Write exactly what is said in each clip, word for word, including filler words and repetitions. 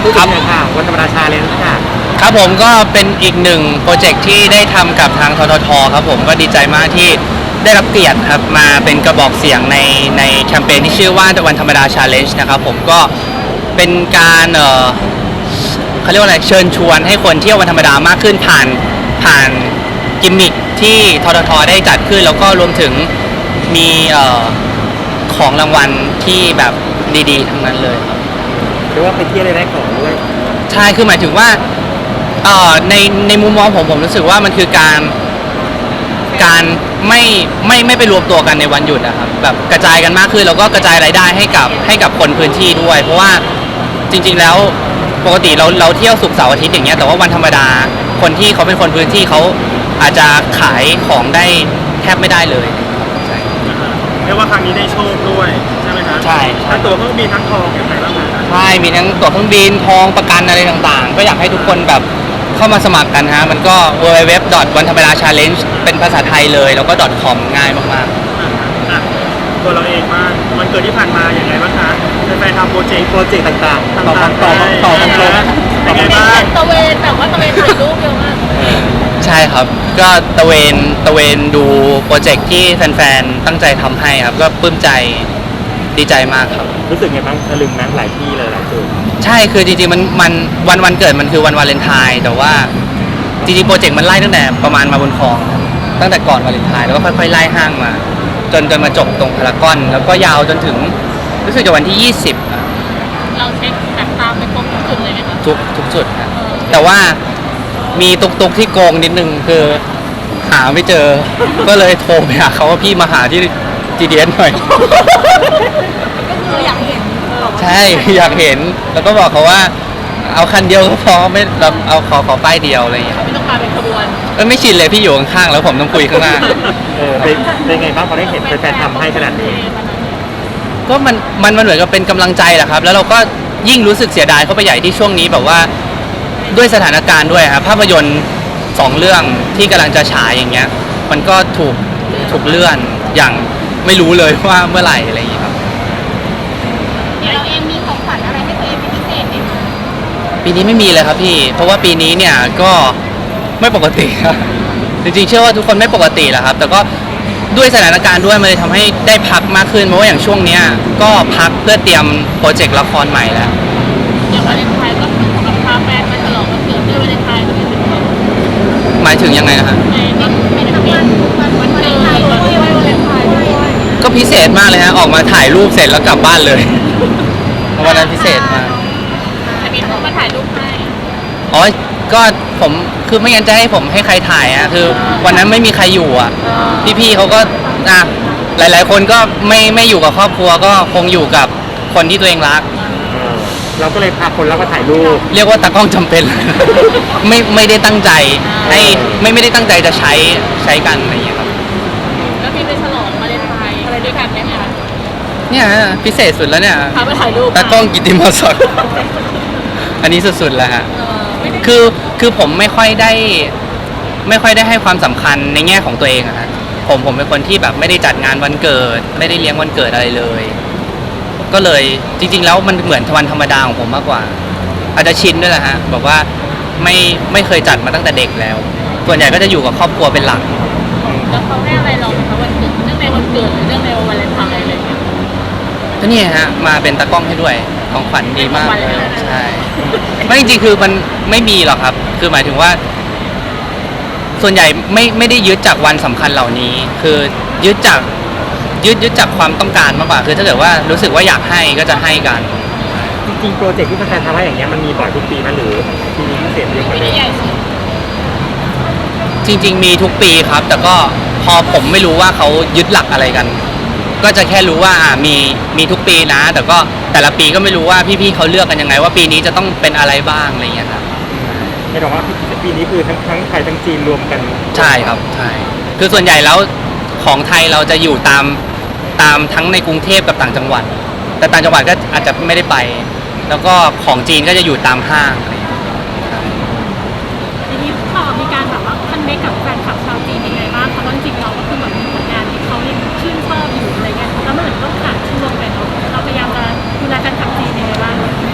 พูดถึงหน่อยค่ะวันธรรมดาชาเลนจ์ค่ะครับผมก็เป็นอีกหนึ่งโปรเจกต์ที่ได้ทำกับทางทททครับผมก็ดีใจมากที่ได้รับเกียรติครับมาเป็นกระบอกเสียงในในแคมเปญที่ชื่อว่าวันธรรมดาชาเลนจ์นะครับผมก็เป็นการเอ่อเขาเรียกว่าอะไรเชิญชวนให้คนเที่ยววันธรรมดามากขึ้นผ่านผ่านกิมมิคที่ทททได้จัดขึ้นแล้วก็รวมถึงมีเอ่อของรางวัลที่แบบดีๆทั้งนั้นเลยครับหรือว่าไปเที่ยวเลยได้ของด้วยใช่คือหมายถึงว่าเอ่อในในมุมมองผมผมรู้สึกว่ามันคือการการไม่ไม่ไม่ไปรวมตัวกันในวันหยุดนะครับแบบกระจายกันมากขึ้นแล้วก็กระจายรายได้ให้กับให้กับคนพื้นที่ด้วยเพราะว่าจริงๆแล้วปกติเราเราเที่ยวศุกร์เสาร์อาทิตย์อย่างเงี้ยแต่ว่าวันธรรมดาคนที่เขาเป็นคนพื้นที่เขาอาจจะขายของได้แทบไม่ได้เลยใช่เรียกว่าครั้งนี้ได้โชคด้วยใช่ไหมครับใช่ทั้งตัวเครื่องบินทั้งทองอย่างไรบ้างครับใช่มีทั้งตั๋วเครื่องบินทองประกันอะไรต่างๆก็อยากให้ทุกคนแบบเข้ามาสมัครกันฮะมันก็ ดับเบิลยู ดับเบิลยู ดับเบิลยู ดอท วันธรรมดา ชาเลนจ์ เป็นภาษาไทยเลยแล้วก็ .com ง่ายมากๆตัวเราเองมากวันเกิดที่ผ่านมาอย่างไรบ้างคะแฟนๆทำโปรเจกต์โปรเจกต์ต่างๆต่อต่อต่อต่อต่อยังไงบ้างตะเวนแบบว่าตะเวนถ่ายรูปเยอะมากใช่ครับก็ตะเวนตะเวนดูโปรเจกต์ที่แฟนๆตั้งใจทำให้ครับก็ปลื้มใจดีใจมากครับรู้สึกไงบ้างตะลึงนั้นหลายที่เลยหลายจุดใช่คือจริงๆมันมันวันวันเกิดมันคือวันวาเลนไทน์แต่ว่าจริงๆโปรเจกต์มันไล่ตั้งแต่ประมาณมาบนคลองตั้งแต่ก่อนวาเลนไทน์แล้วก็ค่อยๆไล่ห้างมาจนจนมาจบตรงพารากอนแล้วก็ยาวจนถึงรู้สึกจะวันที่ยี่สิบเราเช็คแบบตามไปครบทุกจุดเลยไหมคะทุกทุกจุดนะแต่ว่ามีตุกตุกที่โกงนิดนึงคือหาไม่เจอก็เลยโทรไปหาเขาว่าพี่มาหาที่ จี ดี เอส หน่อยก็คืออยากเห็นใช่อยากเห็นแล้วก็บอกเขาว่าเอาคันเดียวก็พอไม่เราเอาขอขอป้ายเดียวอะไรอย่างเงี้ยไม่ต้องมาเป็นขบวนเออไม่ชินเลยพี่อยู่ข้างๆแล้วผมต้องคุยข้างหน้าเออเป็นเป็นไงบ้างพอได้เห็นแฟนๆทำให้ขนาดนี้ก็มันมันมันเหมือนกับเป็นกำลังใจแหละครับแล้วเราก็ยิ่งรู้สึกเสียดายเข้าไปใหญ่ที่ช่วงนี้แบบว่าด้วยสถานการณ์ด้วยครับภาพยนตร์สองเรื่องที่กำลังจะฉายอย่างเงี้ยมันก็ถูกถูกเลื่อนอย่างไม่รู้เลยว่าเมื่อไหร่อะไรอย่างเงี้ยครับเราเองมีของขวัญอะไรให้ตัวเองเป็นพิเศษไหมคะปีนี้ไม่มีเลยครับพี่เพราะว่าปีนี้เนี่ยก็ไม่ปกติครับจริงๆเชื่อว่าทุกคนไม่ปกติแหละครับแต่ก็ด้วยสถานการณ์ด้วยมันเลยทำให้ได้พักมากขึ้นเพราะว่าอย่างช่วงเนี้ยก็พักเพื่อเตรียมโปรเจกต์ละครใหม่แล้วอย่างวาเลนไทน์ก็คือของพาแฟนมาฉลองวันเกิดด้วยวาเลนไทน์ก็เป็นแบบหมายถึงยังไงนะครับก็ไม่ได้ทำงานวันวาเลนไทน์ด้วยวาเลนไทน์ด้วยก็พิเศษมากเลยฮะออกมาถ่ายรูปเสร็จแล้วกลับบ้านเลยวันนั้นพิเศษมากจะมีคนมาถ่ายรูปให้อ๋อก็ผมคือไม่งั้นจะให้ผมให้ใครถ่ายอ่ะคือวันนั้นไม่มีใครอยู่อ่ะพี่ๆเขาก็อ่ะหลายๆคนก็ไม่ไม่อยู่กับครอบครัวก็คงอยู่กับคนที่ตัวเองรักเราก็เลยพาคนแล้วก็ถ่ายรูปเรียกว่าตากล้องจำเป็นไม่ไม่ได้ตั้งใจให้ไม่ไม่ได้ตั้งใจจะใช้ใช้กันอะไรอย่างเงี้ยครับแล้วมีไปฉลองวาเลนไทน์อะไรด้วยกันไหมคะเนี่ยพิเศษสุดแล้วเนี่ยพาไปถ่ายรูปตากล้องกิตติมศักดิ์อันนี้สุดๆแล้วฮะคือคือผมไม่ค่อยได้ไม่ค่อยได้ให้ความสำคัญในแง่ของตัวเองอะฮะผมผมเป็นคนที่แบบไม่ได้จัดงานวันเกิดไม่ได้เลี้ยงวันเกิดอะไรเลยก็เลยจริงๆแล้วมันเหมือนวันธรรมดาของผมมากกว่าอาจจะชินด้วยแหละฮะแบบว่าไม่ไม่เคยจัดมาตั้งแต่เด็กแล้วส่วนใหญ่ก็จะอยู่กับครอบครัวเป็นหลักแล้วเขาให้อะไรเราไหมคะวันเกิดเรื่องในวันเกิดหรือเรื่องในวันวาเลนไทน์อะไรอย่างเงี้ยก็นี่ฮะมาเป็นตากล้องให้ด้วยของขวัญดีมากใช่ไม่จริงๆคือมันไม่มีหรอกครับคือหมายถึงว่าส่วนใหญ่ไม่ไม่ได้ยึดจากวันสำคัญเหล่านี้คือยึดจากยึดยึดจากความต้องการมากกว่าคือถ้าเกิดว่ารู้สึกว่าอยากให้ก็จะให้กันจริงๆโปรเจกต์ที่แฟนๆทำให้อย่างเงี้ยมันมีบ่อยทุกปีมั้ยหรือปีนี้พิเศษเยอะกว่าเดิมจริงๆมีทุกปีครับแต่ก็พอผมไม่รู้ว่าเขายึดหลักอะไรกันก็จะแค่รู้ว่าอ่ามีมีทุกปีนะแต่ก็แต่ละปีก็ไม่รู้ว่าพี่ๆเขาเลือกกันยังไงว่าปีนี้จะต้องเป็นอะไรบ้างอะไรอย่างเงี้ยครับไม่ต้องว่าปีนี้คือทั้งทั้งไทยทั้งจีนรวมกันใช่ครับใช่คือส่วนใหญ่แล้วของไทยเราจะอยู่ตามตามทั้งในกรุงเทพกับต่างจังหวัดแต่ต่างจังหวัดก็อาจจะไม่ได้ไปแล้วก็ของจีนก็จะอยู่ตามห้างอะไรอย่างเงี้ยทีนี้พอมีการแบบว่าคันเมคกับแฟนคลับชาวจีนยังไงบ้างเพราะว่าจริงเราก็คือแบบผลงานที่เขายังชื่นชอบอยู่อะไรเงี้ยแล้วมันเหมือนต้องขาดช่วงไปเนาะเราพยายามจะดูแลแฟนคลับจีนยังไงบ้างจ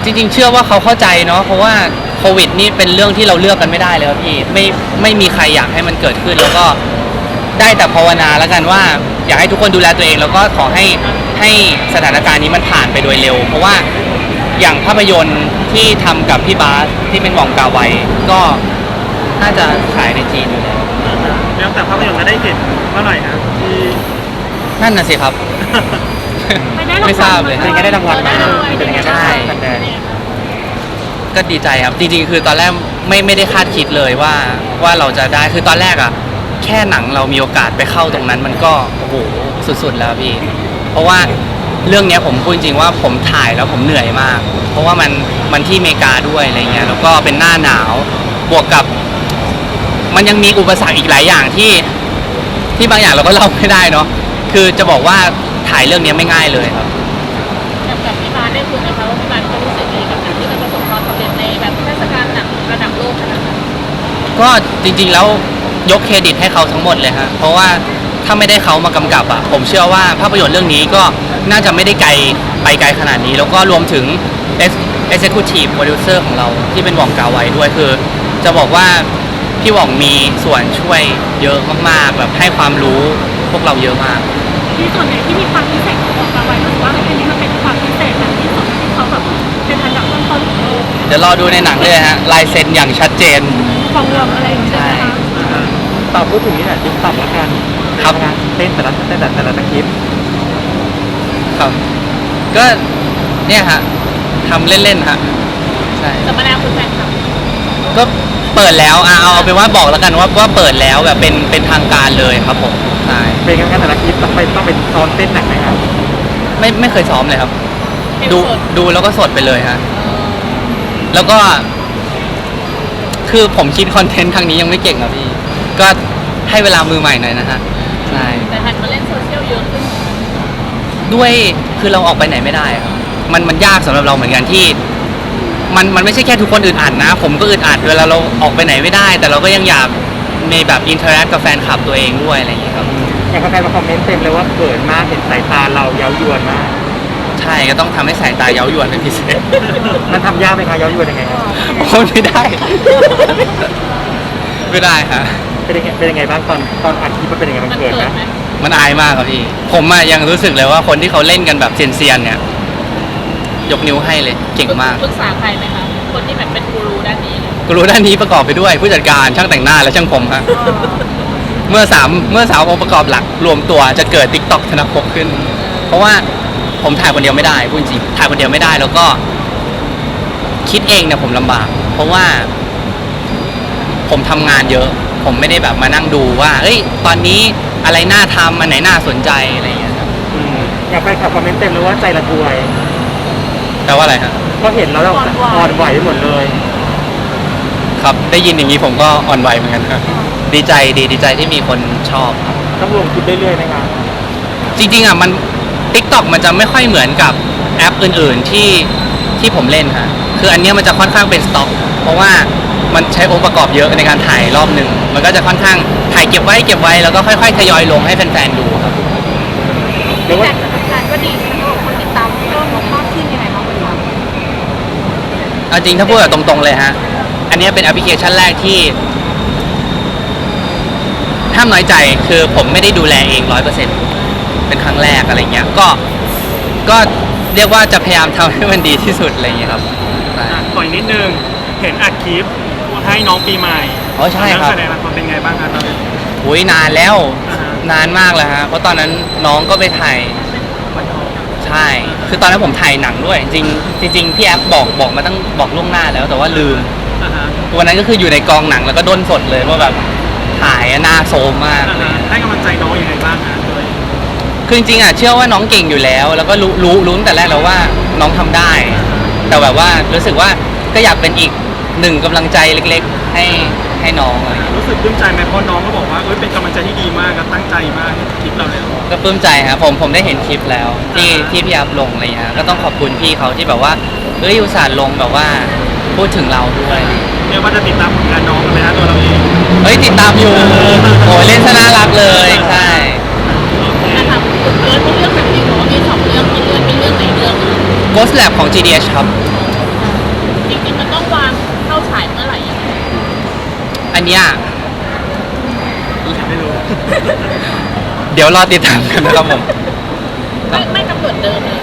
จริงๆ เชื่อว่าเขาเข้าใจเนาะเพราะว่าโควิดนี่เป็นเรื่องที่เราเลือกกันไม่ได้เลยครับพี่ไม่ไม่มีใครอยากให้มันเกิดขึ้น แล้วก็ได้แต่ภาวนาแล้วกันว่าอยากให้ทุกคนดูแลตัวเอง แล้วก็ขอให้ให้สถานการณ์นี้มันผ่านไปโดยเร็ว เพราะว่าอย่างภาพยนตร์ที่ทำกับพี่บาสที่เป็นหว่องกาไวก็น่าจะฉายในจีนอยู่แล้วแล้วแต่ภาพยนตร์จะได้เห็นเมื่อไหร่นะที่นั่นน่ะสิครับไปได้รางวัลไม่ทราบเลยเป็นไงได้รางวัลไหมเป็นไงใช่บ้างคะแนนก็ดีใจครับจริงๆ คือตอนแรกไม่ไม่ได้คาดคิดเลยว่าว่าเราจะได้คือตอนแรกอะแค่หนังเรามีโอกาสไปเข้าตรงนั้นมันก็โอ้โหสุดๆแล้วพี่ เพราะว่าเรื่องเนี้ยผมพูดจริงๆว่าผมถ่ายแล้วผมเหนื่อยมาก เพราะว่ามันมันที่อเมริกาด้วยอะไรเงี้ยแล้วก็เป็นหน้าหนาวบวกกับ มันยังมีอุปสรรคอีกหลายอย่างที่ที่บางอย่างเราก็เล่าไม่ได้เนาะคือจะบอกว่าถ่ายเรื่องนี้ไม่ง่ายเลยครับกับกับพี่บาสได้คุยไหมคะว่าพี่บาสเขารู้สึกยังไงกับหนังที่มันประสบความสำเร็จในแบบเทศกาลหนังระดับโลกขนาดนั้นก็จริงๆแล้วยกเครดิตให้เขาทั้งหมดเลยฮะเพราะว่าถ้าไม่ได้เขามากำกับอ่ะผมเชื่อว่าภาพยนตร์เรื่องนี้ก็น่าจะไม่ได้ไกลไปไกลขนาดนี้ แล้วก็รวมถึง Executive Producer ของเราที่เป็นหว่องกาไวด้วยคือ จะบอกว่าพี่หว่องมีส่วนช่วยเยอะมากๆแบบให้ความรู้พวกเราเยอะมากมีส่วนไหนที่มีความพิเศษของบอกกาไว้รู้สึกว่าอันนี้มันเป็นความพิเศษแบบที่สุดที่เขาแบบเป็นอันดับต้นๆของโลกเดี๋ยวรอดูในหนังเลยฮะลายเซ็นอย่างชัดเจนของเรื่องอะไรอย่างเงี้ยใช่ไหมคะตอบพูดถึงนี่แหละติ๊กต็อกแล้วกันครับเต้นแต่ละเต้นแต่ละตะคลิปครับ ก็เนี่ยฮะทำเล่นๆฮะใช่สัมมนาคุณแฟนคลับก็เปิดแล้วอ่ะเอาเอาเป็นว่าบอกแล้วกันว่าว่าเปิดแล้วแบบเป็นเป็นทางการเลยครับผมใช่เป็นไงกันแต่ละคลิปต้องไปต้องเป็นซ้อมเต้นหนักไหมครับไม่ไม่เคยซ้อมเลยครับเป็นดูสดดูแล้วก็สดไปเลยฮะแล้วก็ คือผมคิดคอนเทนต์ครั้งนี้ยังไม่เก่งครับพี่ ก็ให้เวลามือใหม่หน่อยนะฮะใช่แต่หันมาเล่นโซเชียลเยอะขึ้นด้วยคือเราออกไปไหนไม่ได้ครับมันมันยากสำหรับเราเหมือนกันที่ มันมันไม่ใช่แค่ทุกคนอึดอัดนะ ผมก็อึดอัดเวลาเราออกไปไหนไม่ได้ แต่เราก็ยังอยากมีแบบอินเทอร์แอคกับแฟนคลับตัวเองด้วยอะไรอย่างนี้ครับอย่างแฟนๆมาคอมเมนต์เต็มเลยว่าเขินมากเห็นสายตาเราเย้ายวนมากใช่ก็ต้องทำให้สายตาเย้ายวนเป็นพิเศษมันทำยากไหมคะเย้ายวนยังไงครับโอ้ยไม่ได้ ไม่ได้ฮะเป็นยังไงเป็นยังไงบ้างตอนตอนอัดคลิปมันเป็นยังไงมันมันเขินเกิไหมดไหมมันอายมากครับพี่ ผมอะยังรู้สึกเลยว่าคนที่เขาเล่นกันแบบเซียนๆเนี่ย ยกนิ้วให้เลยเก่งมากปรึกษาใครไหมคะคนที่แบบเป็นกูรูด้านนี้เลยกูรู้ด้านนี้ประกอบไปด้วยผู้จัดการช่างแต่งหน้าและช่างผมฮะเมื่อสามเมื่อสามองค์ประกอบหลักรวมตัวจะเกิด TikTok ธนภพขึ้น เพราะว่าผมถ่ายคนเดียวไม่ได้พูดจริงถ่ายคนเดียวไม่ได้แล้วก็ คิดเองเนี่ยผมลำบาก เพราะว่า ผมทำงานเยอะ ผมไม่ได้แบบมานั่งดูว่าเอ้ยตอนนี้อะไรน่าทำอันไหนน่าสนใจอะไรอย่างเงี้ยครับอืมอยากไปขับคอมเมนต์เต็มเลยว่าใจละทวยแปลว่าอะไรฮะก็เห็นแล้วเราอ่อนไหวหมดเลยครับได้ยินอย่างนี้ผมก็อ่อนไหวเหมือนกันครับดีใจดีดีใจที่มีคนชอบครับต้องลงคลิปเรื่อยๆไหมครับจริงๆอ่ะมัน TikTok มันจะไม่ค่อยเหมือนกับแอปอื่นๆที่ที่ผมเล่นค่ะคืออันเนี้ยมันจะค่อนข้างเป็นสต็อก เพราะว่ามันใช้องค์ประกอบเยอะในการถ่ายรอบหนึ่งมันก็จะค่อนข้างถ่ายเก็บไว้เก็บไว้แล้วก็ค่อยๆทยอยลงให้แฟนๆดูครับหรือว่าแต่สถานการณ์ก็ดีใช่ไหมคะคนติดตามเพิ่มมากขึ้นยังไงบ้างคะเอาจริงถ้าพูดแบบตรงๆเลยฮะอันเนี้ยเป็นแอปพลิเคชันแรกที่ห้ามน้อยใจคือผมไม่ได้ดูแลเองร้อยเปอร์เซ็นต์เป็นครั้งแรกอะไรเงี้ยก็ก็เรียกว่าจะพยายามทำให้มันดีที่สุดอะไรเงี้ยครับอ่ะต่อยนิดนึงเห็นอัดคลิปให้น้องปีใหม่อ๋อใช่ครับแสดงละครเป็นไงบ้างครับตอนนี้อุ้ยนานแล้วอ่าฮะนานมากแล้วฮะเพราะตอนนั้นน้องก็ไปถ่ายใช่ คือตอนนั้นผมถ่ายหนังด้วย จริงจริงๆพี่แอฟบอกบอกมาตั้งบอกล่วงหน้าแล้วแต่ว่าลืมอ่าฮะวันนั้นก็คืออยู่ในกองหนังแล้วก็ด้นสดเลยว่าแบบถ่ายอะหน้าโซมมากอ่าฮะให้กำลังใจน้องยังไงบ้างฮะโดยคือจริงๆอ่ะเชื่อว่าน้องเก่งอยู่แล้ว แล้วก็รู้รู้รู้ตั้งแต่แรกแล้วว่าน้องทำได้ แต่แบบว่ารู้สึกว่าก็อยากเป็นอีกหนึ่งกำลังใจเล็กๆ ให้ให้น้องอะไรอย่างเงี้ยรู้สึกปลื้มใจไหมเพราะน้องก็บอกว่าเอ้ยเป็นกำลังใจที่ดีมากก็ตั้งใจมากคลิปเราเนี่ยก็ปลื้มใจครับผมผมได้เห็นคลิปแล้วที่ที่พี่อัพลงอะไรอย่างเงี้ยก็ต้องขอบคุณพี่เขาที่แบบว่าเอ้ยอุตส่าห์ลงแบบว่าพูดถึงเราด้วยเรียกว่าจะติดตามผลงานน้องกันไหมฮะตัวเราเองเฮ้ยติดตามอยู่โอ้ยเล่นซะน่ารักเลยใช่อ่ะถามคุณเอิร์ธเรื่องแบบนี้หนูว่ามีสองเรื่องมีเรื่องมีเรื่องไหนเรื่องอะ Ghost Lab ของ จี ดี เอช ครับเนี้ยไม่รู้เดี๋ยวรอติดตามกันนะครับผมไม่ไม่กำหนดเดิมเลย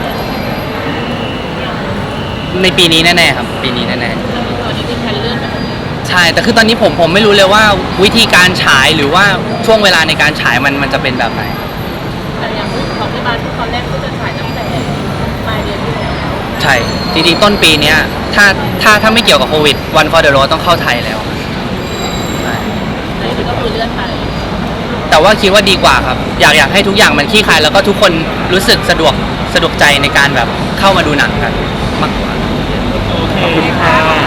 ในปีนี้แน่ๆครับ ปีนี้แน่ตอนนี้มีแผนเลื่อนไปหมดเลยๆใช่แต่คือตอนนี้ผมผมไม่รู้เลยว่าวิธีการฉายหรือว่าช่วงเวลาในการฉายมันมันจะเป็นแบบไหนแต่อย่างรุ่นของพี่บาสตอนแรกก็จะถ่ายตั้งแต่ปลายเดือนที่แล้วใช่ จริงๆ ต้นปีเนี้ยถ้าถ้าถ้าไม่เกี่ยวกับโควิด One for the Road ต้องเข้าไทยแล้วใช่แต่นี่ก็คือเลื่อนไปแต่ว่าคิดว่าดีกว่าครับ อยากอยากให้ทุกอย่างมันคลี่คลายแล้วก็ทุกคนรู้สึกสะดวกสะดวกใจในการแบบเข้ามาดูหนังกันมากกว่าโอเคขอบคุณค่ะ